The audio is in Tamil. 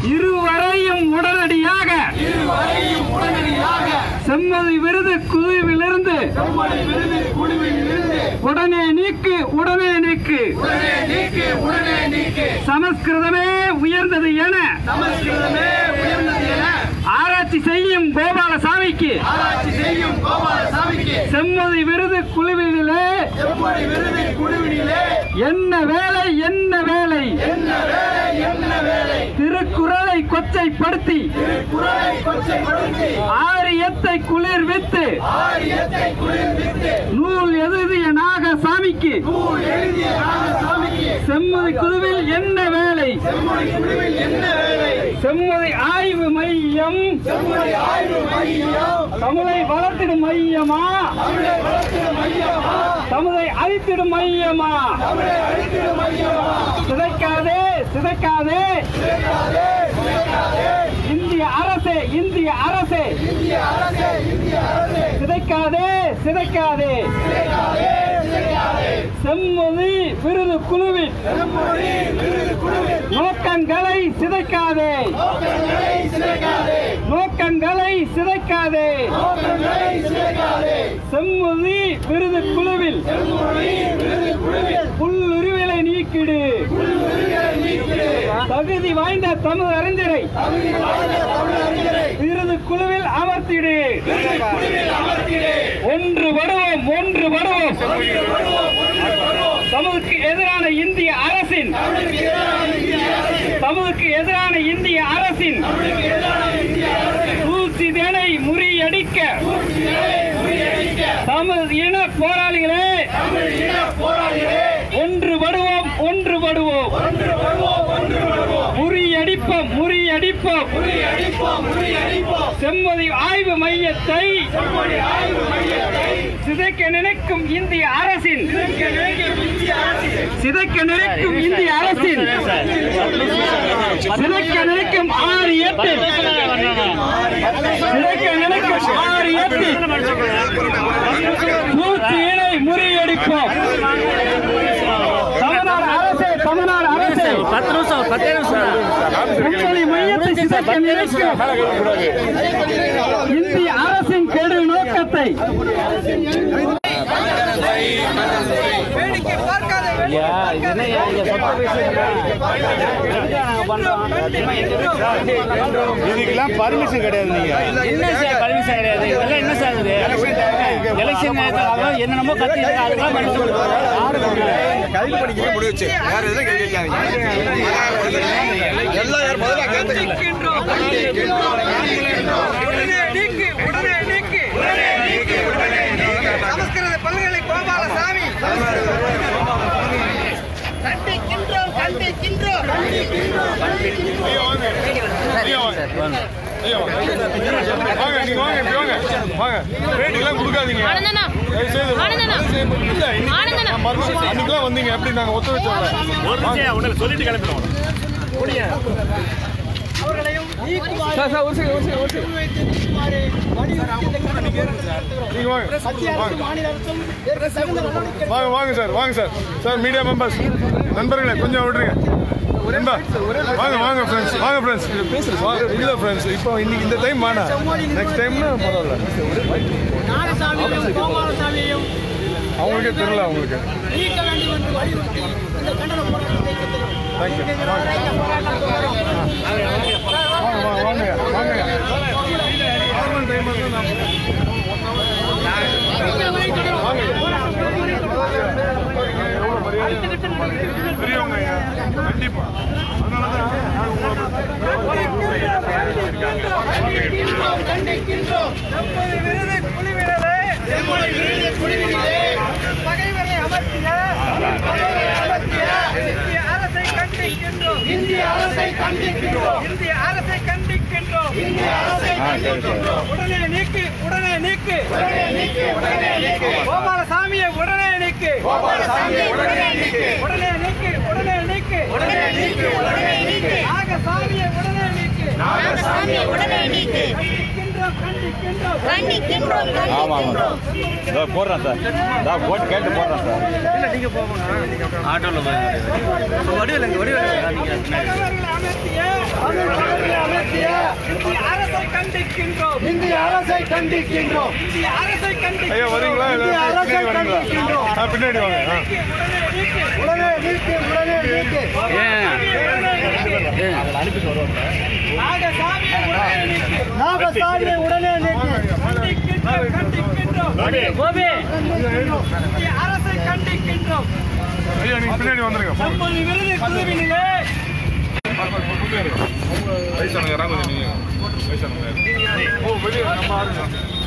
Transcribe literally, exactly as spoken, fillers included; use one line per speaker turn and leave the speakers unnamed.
இருவரையும் உடனடியாக செம்மதி விருது குழுவிலிருந்து உடனே நீக்கு உடனே நீக்கு சமஸ்கிருதமே உயர்ந்தது என ஆராய்ச்சி செய்யும் கோபாலசாமிக்கு செம்மதி விருது குழுவிலே என்ன வேலை என்ன வேலை திருக்குறளை கொச்சைப்படுத்தி ஆரியத்தை குளிர்வித்து நூல் எழுதிய நாகசாமிக்கு செம்மதி குழுவில் என்ன வேலை செம்மதி ஆய்வு மையம் தமிழை வளர்த்திடும் மையமா தமிழை அழித்திடும் மையமா சிதைக்காதே சிதைக்காதே இந்திய அரசே இந்திய அரசே சிதைக்காதே சிதைக்காதே செம்மொழி விருது குழுவின் நோக்கங்களை சிதைக்காதே நோக்கங்களை சிதைக்காதே செம்மொழி விருது குழுவில் புல்லுருவிலை நீக்கிடு தகுதி வாய்ந்த தமிழ் அறிஞரை விருது குழுவில் அமர்த்திடு ஒன்று வருவோம் ஒன்று வருவோம் தமிழுக்கு எதிரான இந்திய அரசின் தமிழுக்கு எதிரான இந்திய அரசின் சூழ்ச்சிதனை முறியடிக்க தமிழ் இன போராளிகளே ஒன்று வருவோம் ஒன்று வருவோம் முறியடிப்போம் முறியடிப்போம் செம்மதி ஆய்வு மையத்தை சிதைக்க நினைக்கும் இந்திய அரசின் சிதைக்க நினைக்கும் இந்திய அரசின் சிதைக்க நினைக்கும் ஆரியத்தில் சிதைக்க நினைக்கும் ஆரியத்தில் சூழ்ச்சியினை முறியடிப்போம் தமிழ்நாடு அரசே தமிழ்நாடு அரசே பத்து நிமிஷம் பத்தே நிமிஷம் செம்மதி மையத்தை சிதைக்க நினைக்கும் இந்திய அரசின் கெடு நோக்கத்தை
இதுக்கெல்லாம் பர்மிஷன் கிடையாது. நீங்க
என்ன சார் பர்மிஷன் கிடையாது? இதெல்லாம் என்ன சார் இது? எலெக்ஷன் நேரத்துல என்னென்னமோ கத்தி இருக்கு, அதெல்லாம்
கைது பண்ணிக்க முடிச்சு வேற எதுவும் கேட்காதீங்க. எல்லாம் யார் முதல்ல கேட்கின்றோம்.
உடனே நீக்கு உடனே நீக்கு சமஸ்கிருத பல்கலை கோபாலசாமி கண்டிக்கின்றோம் கண்டிக்கின்றோம்
அன்னைக்கெல்லாம் வந்தீங்க எப்படி நாங்க ஒத்து வச்சோம் சொல்லிட்டு கிளம்பிடுவோம். வாங்க வாங்க சார் வாங்க சார் சார் மீடியா மெம்பர்ஸ் நண்பர்களே கொஞ்சம் விடுறீங்க. வாங்க வாங்க ஃப்ரெண்ட்ஸ் வாங்க ஃப்ரெண்ட்ஸ் இல்லை ஃப்ரெண்ட்ஸ் இப்போ இன்னைக்கு இந்த டைம் வேணா நெக்ஸ்ட் டைம்னா பரவாயில்ல. அவங்களுக்கே தெரியல அவங்களுக்கு. தேங்க்யூ வாங்க வாங்க வாங்க நார்மல் டைம் வந்து பெரியவங்க கண்டிப்பா
பகைவரை அமர்த்திய அரசை கண்டிக்கின்றோம். இந்திய அரசை கண்டிக்கின்றோம். இந்திய அரசை கண்டிக்கின்றோம். இந்திய அரசை கண்டிக்கின்றோம். உடனே நீக்கு உடனே நீக்கு உடனே நீக்கு கோபாலசாமியை உடனே நீக்கு கோபாலசாமியை உடனே நீக்கு உடனே நீக்கு உடனே நீக்கு உடனே நீக்கு உடனே நீக்கு நாகசாமியை உடனே நீக்கு நாகசாமியை உடனே நீக்கு கண்டிக்கின்றோம் கண்டிக்கின்றோம் கண்டிக்கின்றோம் கண்டிக்கின்றோம்.
இதோ போடுறேன் சார். இதோ போட்டு கேட்டு போடுறேன் சார்.
இல்ல நீங்க போங்க ஆட்டோல வடிவேல வடிவேல
அமர்த்திய இந்திய அரசை கண்டிக்கின்றோம்.
இந்திய அரசை கண்டிக்கின்றோம்.
இந்திய அரசை கண்டிக்கின்றோம்.
ஐயா வரீங்களா?
இந்திய அரசை கண்டிக்கின்றோம்.
ஆ, பின்னாடி வாங்க. ஆ.
உடனே நீக்கு, உடனே நீக்கு.
நாகசாமியை உடனே நீக்கு.
நாகசாமியை உடனே நீக்கு.
கண்டிக்கின்றோம், கண்டிக்கின்றோம்.
கோபி
இந்திய அரசை கண்டிக்கின்றோம்.
ஐயா நீங்க பின்னாடி வந்துருங்க. போங்க.
நமது விருது குழுவினிலே
வயசானவங்க யாராவது கொஞ்சம் நீங்க வயசானவங்க. ஓ வெளியே நம்ம ஆளுங்க.